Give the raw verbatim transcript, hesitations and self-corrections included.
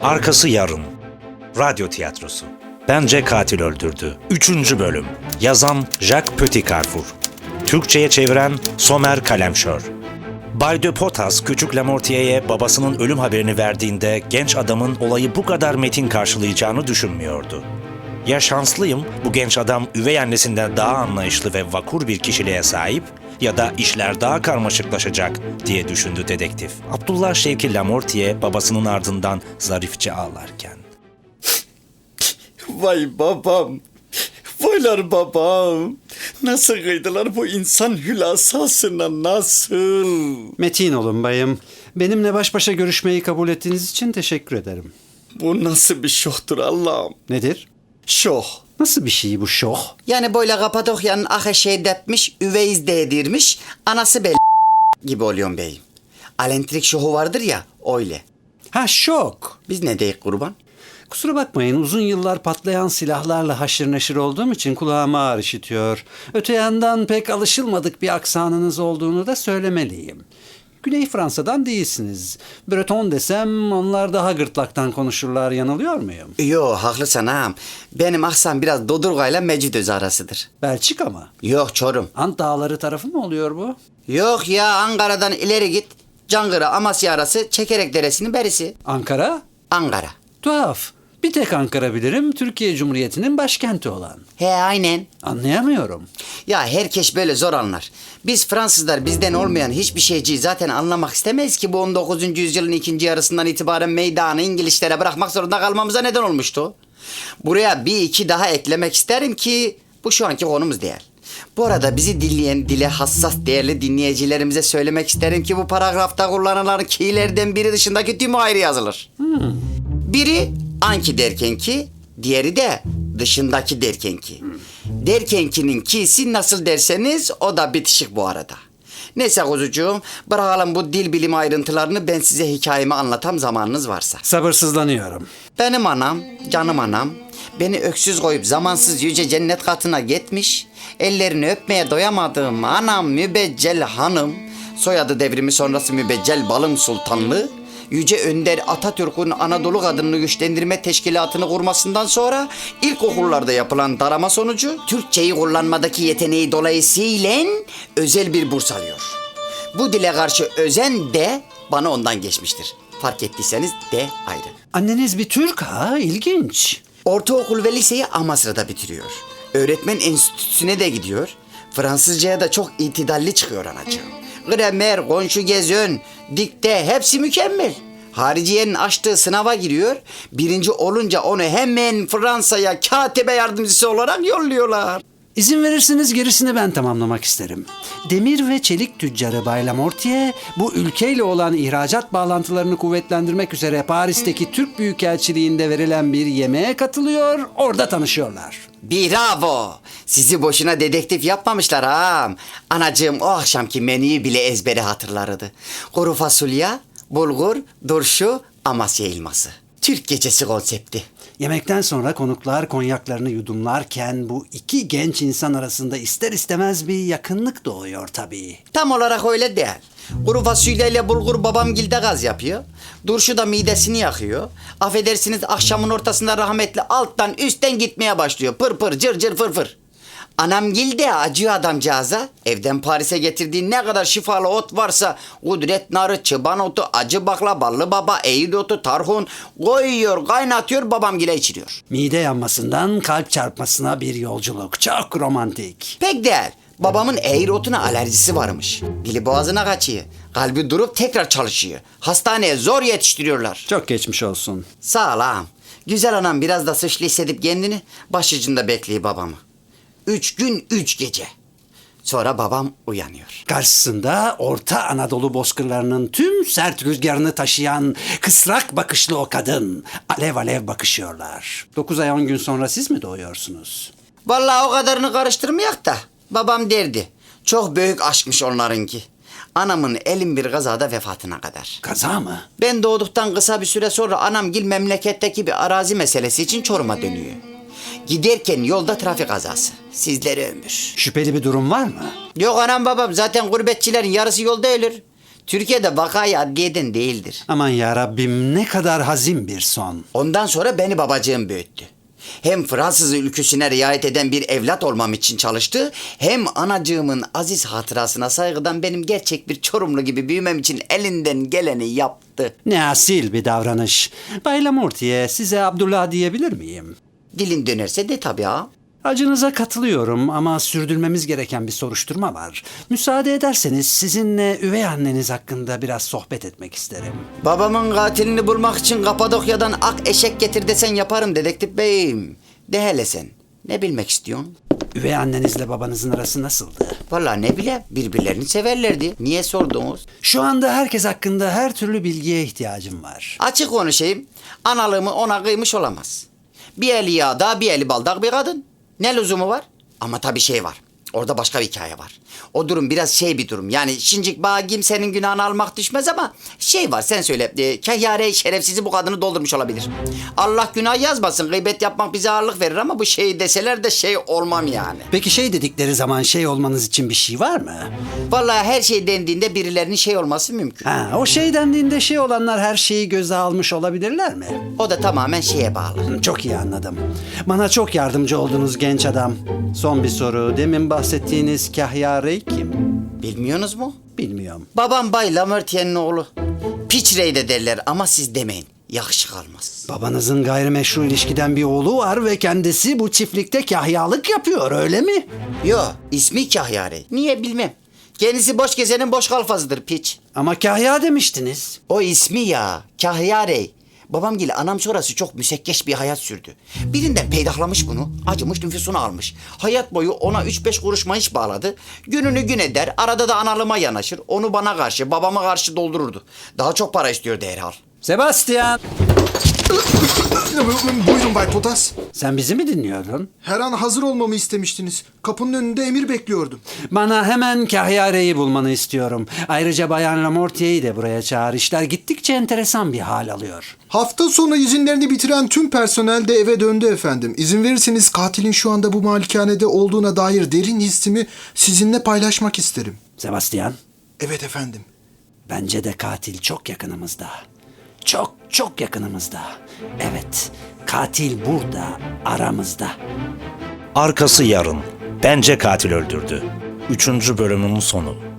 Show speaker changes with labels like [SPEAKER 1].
[SPEAKER 1] Arkası yarın. Radyo tiyatrosu. Bence katil öldürdü. Üçüncü bölüm. Yazan Jacques Petit Carrefour. Türkçe'ye çeviren Somer Kalemşör. Bay de Potas küçük Lamortier'e babasının ölüm haberini verdiğinde genç adamın olayı bu kadar metin karşılayacağını düşünmüyordu. Ya şanslıyım, bu genç adam üvey annesinden daha anlayışlı ve vakur bir kişiliğe sahip ya da işler daha karmaşıklaşacak diye düşündü dedektif. Abdullah Şevki Lamortier babasının ardından zarifçe ağlarken.
[SPEAKER 2] Vay babam, vaylar babam. Nasıl kıydılar bu insan hülasasına, nasıl?
[SPEAKER 3] Metin olun bayım. Benimle baş başa görüşmeyi kabul ettiğiniz için teşekkür ederim.
[SPEAKER 2] Bu nasıl bir şohtur Allah'ım?
[SPEAKER 3] Nedir?
[SPEAKER 2] Şoh.
[SPEAKER 3] Nasıl bir şey bu şoh?
[SPEAKER 4] Yani böyle Kapadokya'nın ahı şey depmiş, üveyiz değdirmiş, anası bel gibi oluyorum beyim. Alentrik şohu vardır ya, öyle.
[SPEAKER 3] Ha şok.
[SPEAKER 4] Biz ne deyik kurban?
[SPEAKER 3] Kusura bakmayın, uzun yıllar patlayan silahlarla haşır neşir olduğum için kulağıma ağır işitiyor. Öte yandan pek alışılmadık bir aksanınız olduğunu da söylemeliyim. Güney Fransa'dan değilsiniz. Breton desem onlar daha gırtlaktan konuşurlar, yanılıyor muyum?
[SPEAKER 4] Yo, haklısın ağam. Benim aksan biraz Dodurga'yla Mecidöz arasıdır.
[SPEAKER 3] Belçika mı?
[SPEAKER 4] Yok Çorum.
[SPEAKER 3] Ant Dağları tarafı mı oluyor bu?
[SPEAKER 4] Yok ya, Ankara'dan ileri git. Cangıra Amasya arası Çekerek Deresi'nin berisi.
[SPEAKER 3] Ankara?
[SPEAKER 4] Ankara.
[SPEAKER 3] Tuhaf. Bir tek Ankara bilirim, Türkiye Cumhuriyeti'nin başkenti olan.
[SPEAKER 4] He aynen.
[SPEAKER 3] Anlayamıyorum.
[SPEAKER 4] Ya herkes böyle zor anlar. Biz Fransızlar bizden olmayan hiçbir şeyciyi zaten anlamak istemeyiz ki bu on dokuzuncu yüzyılın ikinci yarısından itibaren meydanı İngilizlere bırakmak zorunda kalmamıza neden olmuştu. Buraya bir iki daha eklemek isterim ki bu şu anki konumuz değil. Bu arada bizi dinleyen dile hassas değerli dinleyicilerimize söylemek isterim ki bu paragrafta kullanılan ki'lerden biri dışındaki tümü ayrı yazılır.
[SPEAKER 3] Hmm.
[SPEAKER 4] Biri anki derken ki, diğeri de dışındaki derken ki. Derkenkinin ki'si nasıl derseniz o da bitişik bu arada. Neyse kuzucuğum, bırakalım bu dil bilimi ayrıntılarını, ben size hikayemi anlatam zamanınız varsa.
[SPEAKER 3] Sabırsızlanıyorum.
[SPEAKER 4] Benim anam, canım anam, beni öksüz koyup zamansız yüce cennet katına gitmiş, ellerini öpmeye doyamadığım anam Mübeccel Hanım, soyadı devrimi sonrası Mübeccel Balım Sultanlı, Yüce Önder Atatürk'ün Anadolu Kadınını Güçlendirme Teşkilatı'nı kurmasından sonra ilkokullarda yapılan darama sonucu Türkçeyi kullanmadaki yeteneği dolayısıyla özel bir burs alıyor. Bu dile karşı özen de bana ondan geçmiştir. Fark ettiyseniz de ayrı.
[SPEAKER 3] Anneniz bir Türk ha, ilginç.
[SPEAKER 4] Ortaokul ve liseyi Amasra'da bitiriyor. Öğretmen enstitüsüne de gidiyor. Fransızcaya da çok itidalli çıkıyor anacığım. Gramer, konjugezyon, dikte hepsi mükemmel. Hariciyenin açtığı sınava giriyor. Birinci olunca onu hemen Fransa'ya katibe yardımcısı olarak yolluyorlar.
[SPEAKER 3] İzin verirseniz gerisini ben tamamlamak isterim. Demir ve çelik tüccarı Bay Lamortier bu ülkeyle olan ihracat bağlantılarını kuvvetlendirmek üzere Paris'teki Türk Büyükelçiliğinde verilen bir yemeğe katılıyor, orada tanışıyorlar.
[SPEAKER 4] Bravo! Sizi boşuna dedektif yapmamışlar ağam. Anacığım o akşamki menüyü bile ezbere hatırlardı. Kuru fasulye, bulgur, turşu, Amasya elması. Türk gecesi konsepti.
[SPEAKER 3] Yemekten sonra konuklar konyaklarını yudumlarken bu iki genç insan arasında ister istemez bir yakınlık doğuyor tabii.
[SPEAKER 4] Tam olarak öyle değil. Kuru fasulyeyle bulgur babamgilde gaz yapıyor. Turşu da midesini yakıyor. Affedersiniz, akşamın ortasında rahmetli alttan üstten gitmeye başlıyor. Pır pır cır cır fır fır. Anamgil de acıyor adamcağıza. Evden Paris'e getirdiği ne kadar şifalı ot varsa kudret narı, çıban otu, acı bakla, ballı baba, eğil otu, tarhun koyuyor, kaynatıyor, babamgile içiriyor.
[SPEAKER 3] Mide yanmasından kalp çarpmasına bir yolculuk. Çok romantik.
[SPEAKER 4] Pek değil. Babamın eğir otuna alerjisi varmış. Dili boğazına kaçıyor. Kalbi durup tekrar çalışıyor. Hastaneye zor yetiştiriyorlar.
[SPEAKER 3] Çok geçmiş olsun.
[SPEAKER 4] Sağ ol ağam. Güzel anam biraz da suçlu hissedip kendini başucunda bekliyor babamı. Üç gün üç gece. Sonra babam uyanıyor.
[SPEAKER 3] Karşısında Orta Anadolu bozkırlarının tüm sert rüzgarını taşıyan kısrak bakışlı o kadın. Alev alev bakışıyorlar. Dokuz ay on gün sonra siz mi doğuyorsunuz?
[SPEAKER 4] Vallahi o kadarını karıştırmayak da babam derdi. Çok büyük aşkmış onlarınki. Anamın elin bir kazada vefatına kadar.
[SPEAKER 3] Kaza mı?
[SPEAKER 4] Ben doğduktan kısa bir süre sonra anamgil memleketteki bir arazi meselesi için Çorum'a dönüyor. Giderken yolda trafik kazası. Sizlere ömür.
[SPEAKER 3] Şüpheli bir durum var mı?
[SPEAKER 4] Yok anam babam, zaten gurbetçilerin yarısı yolda ölür. Türkiye'de vakayı adliyeden değildir.
[SPEAKER 3] Aman ya Rabbim, ne kadar hazin bir son.
[SPEAKER 4] Ondan sonra beni babacığım büyüttü. Hem Fransız ülküsüne riayet eden bir evlat olmam için çalıştı, hem anacığımın aziz hatırasına saygıdan benim gerçek bir Çorumlu gibi büyümem için elinden geleni yaptı.
[SPEAKER 3] Ne asil bir davranış. Bay Lamortier, size Abdullah diyebilir miyim?
[SPEAKER 4] Dilin dönerse de tabii ha.
[SPEAKER 3] Acınıza katılıyorum ama sürdürmemiz gereken bir soruşturma var. Müsaade ederseniz sizinle üvey anneniz hakkında biraz sohbet etmek isterim.
[SPEAKER 4] Babamın katilini bulmak için Kapadokya'dan ak eşek getir desen yaparım dedektif beyim. De hele sen. Ne bilmek istiyorsun?
[SPEAKER 3] Üvey annenizle babanızın arası nasıldı?
[SPEAKER 4] Vallahi ne bile birbirlerini severlerdi. Niye sordunuz?
[SPEAKER 3] Şu anda herkes hakkında her türlü bilgiye ihtiyacım var.
[SPEAKER 4] Açık konuşayım. Analığımı ona kıymış olamaz. Bir eli yağda bir eli baldak bir kadın. Ne lüzumu var? Ama tabii şey var. Orada başka bir hikaye var. O durum biraz şey bir durum. Yani şincik bağa kimsenin günahını almak düşmez ama şey var sen söyle. E, Kahyare şerefsizi bu kadını doldurmuş olabilir. Allah günah yazmasın. Gıybet yapmak bize ağırlık verir ama bu şey deseler de şey olmam yani.
[SPEAKER 3] Peki şey dedikleri zaman şey olmanız için bir şey var mı?
[SPEAKER 4] Vallahi her şey dendiğinde birilerinin şey olması mümkün.
[SPEAKER 3] Ha, o şey dendiğinde şey olanlar her şeyi göze almış olabilirler mi?
[SPEAKER 4] O da tamamen şeye bağlı.
[SPEAKER 3] Çok iyi anladım. Bana çok yardımcı oldunuz genç adam. Son bir soru. Demin bahsettiğiniz Kahyare kim?
[SPEAKER 4] Bilmiyorsunuz mu?
[SPEAKER 3] Bilmiyorum.
[SPEAKER 4] Babam Bay Lamortier'in oğlu. Piçrey de derler ama siz demeyin. Yakışık almaz.
[SPEAKER 3] Babanızın gayrimeşru ilişkiden bir oğlu var ve kendisi bu çiftlikte kahyalık yapıyor, öyle mi?
[SPEAKER 4] Yo, ismi Kahyare. Niye bilmem. Kendisi boş gezenin boş kalfasıdır piç.
[SPEAKER 3] Ama kahya demiştiniz.
[SPEAKER 4] O ismi ya, Kahyare. Babamgil anam sonrası çok müsekkeş bir hayat sürdü. Birinden peydahlamış bunu, acımış nüfusunu almış. Hayat boyu ona üç beş kuruş maaş bağladı. Gününü gün eder, arada da analıma yanaşır. Onu bana karşı, babama karşı doldururdu. Daha çok para istiyordu herhal.
[SPEAKER 3] Sebastian!
[SPEAKER 5] Buyurun Bay Potas.
[SPEAKER 3] Sen bizi mi dinliyordun?
[SPEAKER 5] Her an hazır olmamı istemiştiniz. Kapının önünde emir bekliyordum.
[SPEAKER 3] Bana hemen Kahyare'yi bulmanı istiyorum. Ayrıca Bayan Lamortier'i de buraya çağır. İşler gittikçe enteresan bir hal alıyor.
[SPEAKER 5] Hafta sonu izinlerini bitiren tüm personel de eve döndü efendim. İzin verirseniz katilin şu anda bu malikanede olduğuna dair derin hissimi sizinle paylaşmak isterim.
[SPEAKER 3] Sebastian,
[SPEAKER 5] Evet efendim.
[SPEAKER 3] bence de katil çok yakınımızda. Çok çok yakınımızda. Evet, katil burada, aramızda.
[SPEAKER 1] Arkası yarın. Bence katil öldürdü. Üçüncü bölümün sonu.